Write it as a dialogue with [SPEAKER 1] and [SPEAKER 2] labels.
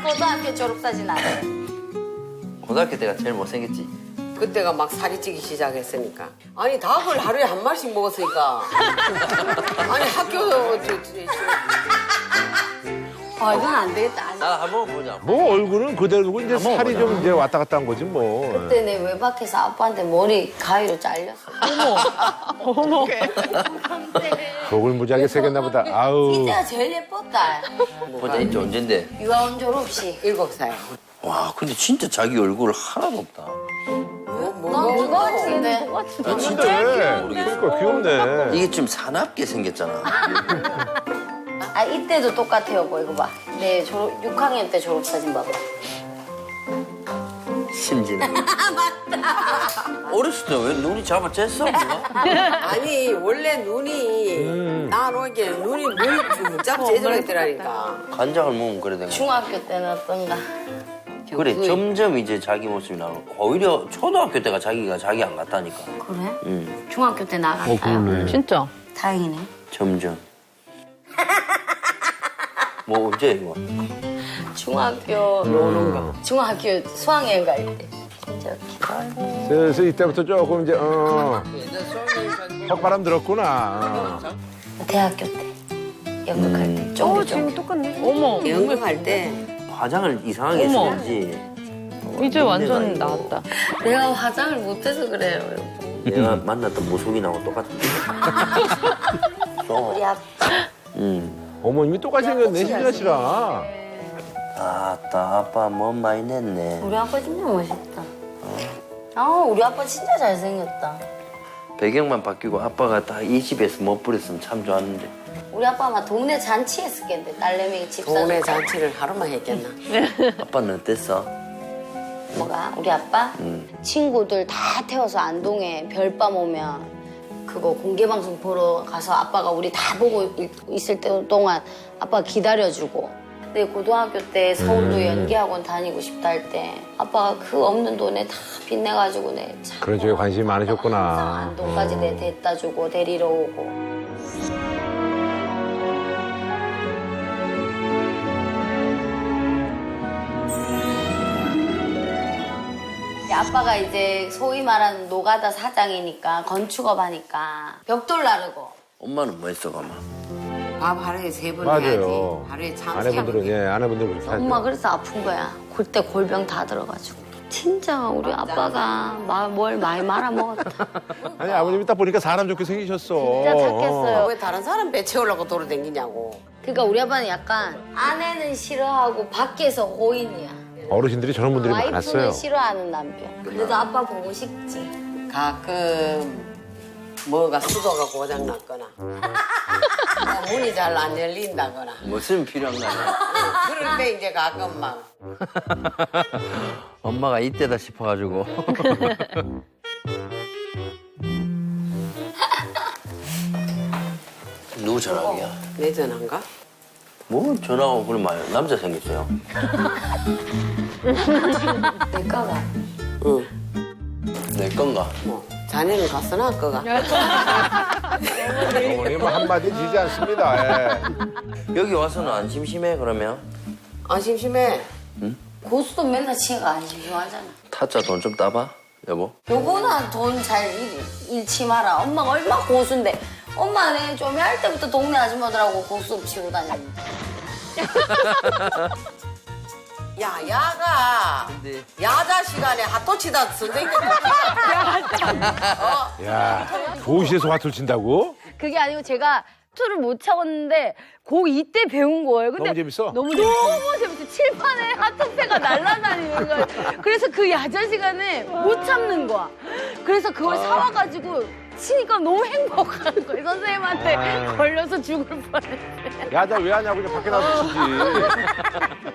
[SPEAKER 1] 고등학교 졸업사진 안 해.
[SPEAKER 2] 고등학교 때가 제일 못생겼지.
[SPEAKER 3] 그때가 막 살이 찌기 시작했으니까. 아니 닭을 하루에 한 마리씩 먹었으니까. 아니 학교
[SPEAKER 1] 아, 이건 안 되겠다.
[SPEAKER 2] 나 한번 보자.
[SPEAKER 4] 뭐 얼굴은 그대로고 이제 살이 좀 이제 왔다 갔다 한 거지 뭐.
[SPEAKER 1] 그때 내 외박해서 아빠한테 머리 가위로 잘렸어.
[SPEAKER 5] 어머.
[SPEAKER 4] 속을 무지하게 새겼나 보다. 아우.
[SPEAKER 1] 이때가 제일 예뻤다.
[SPEAKER 2] 보자 이제 언젠데.
[SPEAKER 1] 유아원 졸업식.
[SPEAKER 3] 7살.
[SPEAKER 2] 와 근데 진짜 자기 얼굴 하나도 없다.
[SPEAKER 1] 난 그거 같은데.
[SPEAKER 2] 아, 진짜
[SPEAKER 4] 그러니까 귀엽네.
[SPEAKER 2] 이게 좀 사납게 생겼잖아.
[SPEAKER 1] 아, 이때도 똑같아요, 뭐 이거 봐. 내 6학년 때 졸업사진 봐봐.
[SPEAKER 2] 심지는. 맞다. 어렸을 때 왜 눈이 잡아챘어? 누가?
[SPEAKER 3] 아니 원래 눈이 나놓게 눈이 물 짭 제대로 있더라니까.
[SPEAKER 2] 간장을 먹으면 그래 된 거야.
[SPEAKER 1] 중학교 때는 어떤가?
[SPEAKER 2] 그래 점점 이제 자기 모습이 나오고 오히려 초등학교 때가 자기가 자기 안 같다니까.
[SPEAKER 1] 그래?
[SPEAKER 2] 응.
[SPEAKER 1] 중학교 때 나갔어요.
[SPEAKER 4] 그러네.
[SPEAKER 5] 진짜.
[SPEAKER 1] 다행이네.
[SPEAKER 2] 점점. 뭐 언제 이거?
[SPEAKER 1] 중학교 수학여행 갈 때. 진짜 기다려.
[SPEAKER 4] 슬슬 이때부터 조금 이제 헛바람 들었구나.
[SPEAKER 1] 대학교 때. 연극할 때. 쫑쫑.
[SPEAKER 5] 똑같네. 어머.
[SPEAKER 3] 연극할 때
[SPEAKER 2] 화장을 이상하게
[SPEAKER 5] 어머.
[SPEAKER 2] 했었지.
[SPEAKER 5] 이제 완전 나왔다.
[SPEAKER 1] 내가 화장을 못해서 그래요, 여보.
[SPEAKER 2] 내가 만났던 모습이나고 똑같은데.
[SPEAKER 1] 우리 아빠.
[SPEAKER 4] 어머님이 똑같이 생겼네, 신진아 씨랑.
[SPEAKER 2] 아따 아빠 몸 많이 냈네.
[SPEAKER 1] 우리 아빠 진짜 멋있다. 우리 아빠 진짜 잘생겼다.
[SPEAKER 2] 배경만 바뀌고 아빠가 딱 이 집에서 못 부렸으면 참 좋았는데.
[SPEAKER 1] 우리 아빠 아마 동네 잔치 했었겠는데, 딸내미 집
[SPEAKER 3] 동네
[SPEAKER 1] 사줬다.
[SPEAKER 3] 잔치를 하루만 했겠나.
[SPEAKER 2] 아빠는 어땠어?
[SPEAKER 1] 뭐가? 우리 아빠? 친구들 다 태워서 안동에 별밤 오면 그거 공개방송 보러 가서 아빠가 우리 다 보고 있을 때 동안 아빠가 기다려주고. 근데 고등학교 때 서울로 연기학원 다니고 싶다 할 때 아빠가 그 없는 돈에 다 빚내가지고 내 참.
[SPEAKER 4] 그런 쪽에 관심이 많으셨구나.
[SPEAKER 1] 안동까지 내 데려다 주고 데리러 오고. 아빠가 이제 소위 말하는 노가다 사장이니까 건축업 하니까 벽돌 나르고.
[SPEAKER 2] 엄마는 뭐 했어 가마?
[SPEAKER 3] 밥 하루에 3번
[SPEAKER 4] 맞아요.
[SPEAKER 3] 해야지. 하루에 참
[SPEAKER 4] 아내분들은, 예, 아내분들 그렇게 하죠.
[SPEAKER 1] 엄마 그래서 아픈 거야. 그때 골병 다 들어가지고. 진짜 우리 아빠가 뭘 많이 말아먹었다.
[SPEAKER 4] 아니, 아버님이 딱 보니까 사람 좋게 생기셨어.
[SPEAKER 1] 진짜 착했어요.
[SPEAKER 3] 왜 다른 사람 배 채우려고 돌아다니냐고.
[SPEAKER 1] 그러니까 우리 아빠는 약간 아내는 싫어하고 밖에서 호인이야.
[SPEAKER 4] 어르신들이 저런 분들이
[SPEAKER 1] 와이프는
[SPEAKER 4] 많았어요.
[SPEAKER 1] 싫어하는 남편. 그래도 아빠 보고 싶지.
[SPEAKER 3] 가끔 뭐가 수도가 고장났거나 문이 잘 안 열린다거나
[SPEAKER 2] 무슨 필요한 거 아니야?
[SPEAKER 3] 그럴 때 이제 가끔 막
[SPEAKER 2] 엄마가 이때다 싶어가지고. 누구 전화기야?
[SPEAKER 3] 내 전화인가?
[SPEAKER 2] 뭐 전화하고 그런 말 남자 생겼어요.
[SPEAKER 1] 내 거가.
[SPEAKER 3] 응.
[SPEAKER 2] 내 건가?
[SPEAKER 3] 뭐 자네는 갔으나 거가
[SPEAKER 4] 어머님은 한마디 지지 않습니다. 예.
[SPEAKER 2] 여기 와서는 안 심심해 그러면?
[SPEAKER 3] 안 심심해.
[SPEAKER 1] 고수도 맨날 치가 안 심심하잖아.
[SPEAKER 2] 타짜 돈 좀 따봐 여보.
[SPEAKER 1] 요거나 돈 잘 잃지 마라. 엄마가 얼마 고수인데. 엄마는 좀 할 때부터 동네 아줌마들하고 고수 치고 다녔는데.
[SPEAKER 3] 야 야가
[SPEAKER 2] 근데
[SPEAKER 3] 야자 시간에 핫도치다 선생님
[SPEAKER 4] 야, 도시에서 화투를 친다고?
[SPEAKER 6] 그게 아니고 제가 투를 못 차봤는데 고 이때 배운 거예요. 근데
[SPEAKER 4] 너무 재밌어?
[SPEAKER 6] 너무 재밌어. 칠판에 하트패가 날아다니는 거예요. 그래서 그 야자 시간에 못 참는 거야. 그래서 그걸 사와가지고 치니까 너무 행복한 거예요. 선생님한테 걸려서 죽을 뻔했어요.
[SPEAKER 4] 야, 나 왜 하냐고 그냥 밖에 나서 치지.